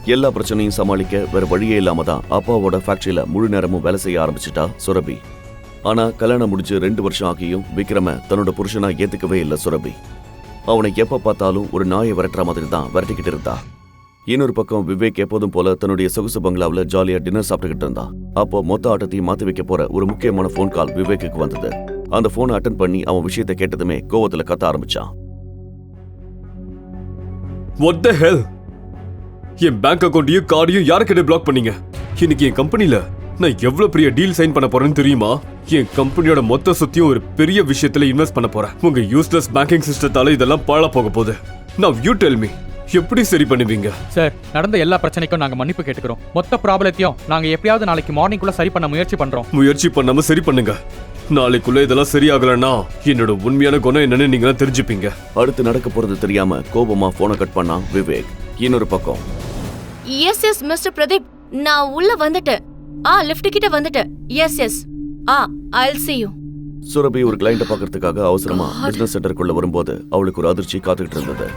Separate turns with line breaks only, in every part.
எல்லா பிரச்சனையும் சமாளிக்க வேற வழியே இல்லாம தான் அப்பாவோட ஃபேக்டரியில முழு நேரமும் வேலை செய்ய ஆரம்பிச்சிட்டா சுரபி. ஆனா கல்யாணம் முடிஞ்சு 2 வருஷம் ஆகியும் விக்ரம தன்னோட புருஷனா ஏத்துக்கவே இல்லை சுரபி. அவனை எப்ப பார்த்தாலும் ஒரு நாயை விரட்டுற மாதிரி தான் விரட்டிக்கிட்டு இருந்தா. இன்னொரு பக்கம் விவேக் எப்போதும் போல தன்னுடைய சொகுசு பங்களாவில் ஜாலியா டின்னர் சாப்பிட்டுக்கிட்டு இருந்தான். அப்போ மொத்த ஆட்டத்தையும் மாத்தி வைக்க போற ஒரு முக்கியமான போன் கால் விவேக்கு வந்தது. அந்த போனை அட்டன் பண்ணி அவன் விஷயத்தை கேட்டதுமே கோவத்துல கத்த ஆரம்பிச்சான்.
What the hell? என் பேங்க் அக்கௌண்ட்டையும் கார்டையும் யாருக்கிட்ட பிளாக் பண்ணீங்க? இன்னைக்கு என் கம்பெனில நான் எவ்வளவு பெரிய டீல் சைன் பண்ண போறேன்னு தெரியுமா? என் கம்பெனியோட மொத்த சொத்தையும் ஒரு பெரிய விஷயத்துல இன்வெஸ்ட் பண்ண போறேன். உங்க யூஸ்லெஸ் பேங்கிங் சிஸ்டத்தால இதெல்லாம் பாழா போக போகுது. Now you tell me, எப்படி சரி பண்ணுவீங்க?
சார், நடந்த எல்லா பிரச்சனைக்கும் நாங்க மன்னிப்பு கேட்டுக்கிறோம். மொத்த ப்ராப்ளத்தையும் நாங்க எப்படியாவது நாளைக்கு மார்னிங்குள்ள சரி பண்ண முயற்சி பண்றோம்.
முயற்சி பண்ணாம சரி பண்ணுங்க. நாளைக்குள்ள இதெல்லாம் சரியாகலன்னா என்னோட உண்மையான குணம் என்னன்னு நீங்க தெரிஞ்சுப்பீங்க.
அடுத்து நடக்க போறது தெரியாம கோபமா போனை கட் பண்ணான் விவேக். இன்னொரு பக்கம்,
எஸ் மிஸ்டர் பிரதீப், நான் உள்ள வந்துட்டேன். லிஃப்ட் கிட்ட வந்துட்டேன். S I'll see you.
Surabhi ஒரு கிளையண்ட பாக்குறதுக்காக அவசரமா பிசினஸ் சென்டருக்குள்ள வரும்போது அவளுக்கு ஒரு அதிர்ச்சி காத்துக்கிட்டு இருந்தது.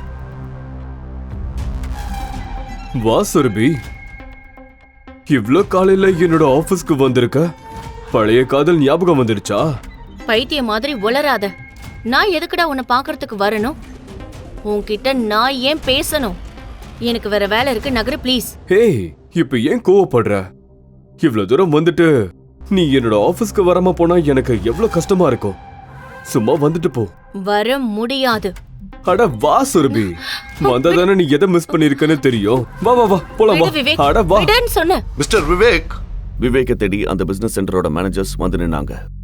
வா சுரபி, இவ்ளோ காலையில என்னோட ஆபீஸ்க்கு வந்திருக்க. பழைய காதல் ஞாபகம் வந்துடுச்சா?
பைத்திய மாதிரி உளராத. நான் எதுக்குடா உன்னை பாக்குறதுக்கு வரணும்? உன்கிட்ட நான் ஏன் பேசணும்? எனக்கு வேற வேலை இருக்கு, நகரு ப்ளீஸ்.
ஹேய், இப்ப ஏன் கோவப்படுற? இவ்ளோ தூரம் வந்துட்டு நீ என்னோட ஆபீஸ்க்கு வராம போனா எனக்கு எவ்வளவு கஷ்டமா இருக்கும். சும்மா வந்துட்டு போ.
வர முடியாது.
அட வா சுரபி, வந்ததானே நீ எதை மிஸ் பண்ணிருக்கன்னு தெரியும். வா வா வா போலாம் வா. அட வா.
சொன்ன
மிஸ்டர் விவேக். விவேக்கை தேடி அந்த பிசினஸ் சென்டரோட மேனேஜர்ஸ் வந்து நின்னாங்க.